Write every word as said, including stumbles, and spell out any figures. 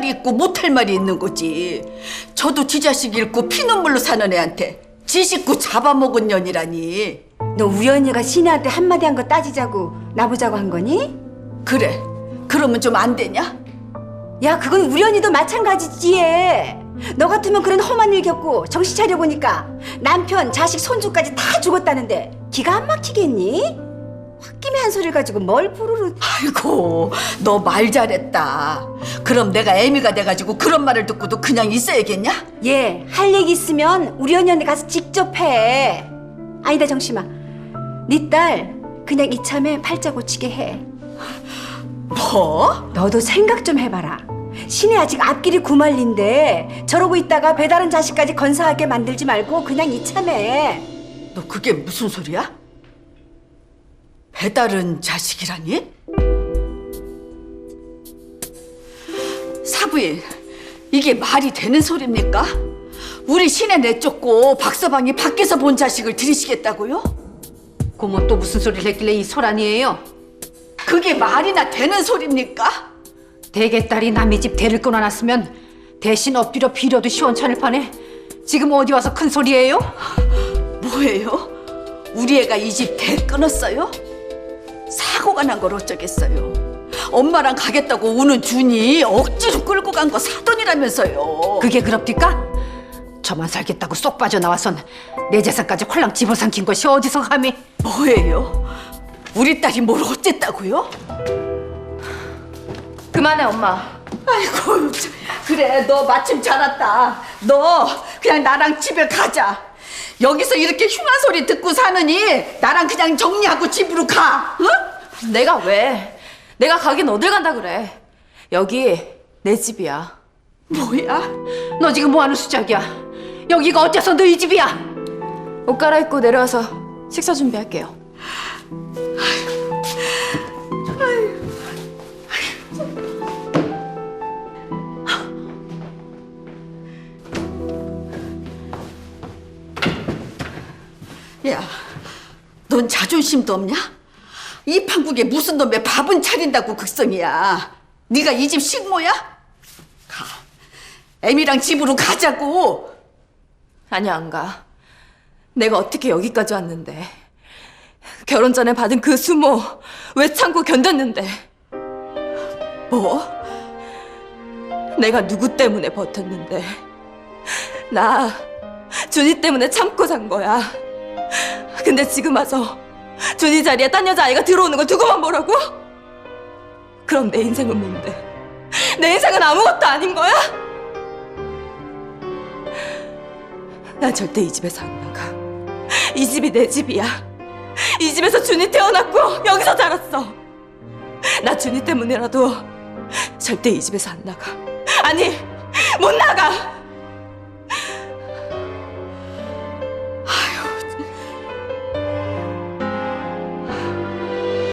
말이 있고 못할 말이 있는 거지. 저도 지 자식 잃고 피눈물로 사는 애한테 지 식구 잡아먹은 년이라니. 너 우연이가 신혜한테 한마디 한 거 따지자고 나보자고 한 거니? 그래, 그러면 좀 안 되냐? 야, 그건 우연이도 마찬가지지. 얘. 너 같으면 그런 험한 일 겪고 정신 차려보니까 남편, 자식, 손주까지 다 죽었다는데 기가 안 막히겠니? 홧김에 한 소리를 가지고 뭘 부르르. 아이고, 너 말 잘했다. 그럼 내가 애미가 돼가지고 그런 말을 듣고도 그냥 있어야겠냐? 얘, 할 얘기 있으면 우리 언니한테 가서 직접 해. 아니다, 정심아. 네 딸 그냥 이참에 팔자 고치게 해. 뭐? 너도 생각 좀 해봐라. 신혜 아직 앞길이 구말린데 저러고 있다가 배다른 자식까지 건사하게 만들지 말고 그냥 이참에. 너 그게 무슨 소리야? 배다른 자식이라니? 사부인, 이게 말이 되는 소리입니까? 우리 신혜 내쫓고 박서방이 밖에서 본 자식을 들이시겠다고요? 고모 또 무슨 소리를 했길래 이 소란이에요? 그게 말이나 되는 소리입니까? 대개딸이 남의 집 대를 끊어놨으면 대신 엎드려 빌어도 시원찮을 판에 지금 어디 와서 큰 소리예요? 뭐예요? 우리 애가 이 집 대 끊었어요? 사고가 난 걸 어쩌겠어요. 엄마랑 가겠다고 우는 준이 억지로 끌고 간 거 사돈이라면서요. 그게 그럽디까? 저만 살겠다고 쏙 빠져나와선 내 재산까지 홀랑 집어삼킨 것이 어디서 감히. 뭐예요? 우리 딸이 뭘 어쨌다고요? 그만해, 엄마. 아이고, 참. 그래, 너 마침 잘 왔다. 너 그냥 나랑 집에 가자. 여기서 이렇게 흉한 소리 듣고 사느니 나랑 그냥 정리하고 집으로 가. 응? 내가 왜? 내가 가긴 어딜 간다 그래. 여기 내 집이야. 뭐야? 너 지금 뭐하는 수작이야? 여기가 어째서 너희 집이야? 옷 갈아입고 내려와서 식사 준비할게요. 야, 넌 자존심도 없냐? 이 판국에 무슨 놈의 밥은 차린다고 극성이야. 네가 이 집 식모야? 가. 애미랑 집으로 가자고. 아니야, 안 가. 내가 어떻게 여기까지 왔는데. 결혼 전에 받은 그 수모 왜 참고 견뎠는데. 뭐? 내가 누구 때문에 버텼는데. 나 준이 때문에 참고 산 거야. 근데 지금 와서 준이 자리에 딴 여자아이가 들어오는 걸 두고만 보라고? 그럼 내 인생은 뭔데? 내 인생은 아무것도 아닌 거야? 난 절대 이 집에서 안 나가. 이 집이 내 집이야. 이 집에서 준이 태어났고 여기서 자랐어. 나 준이 때문에라도 절대 이 집에서 안 나가. 아니, 못 나가!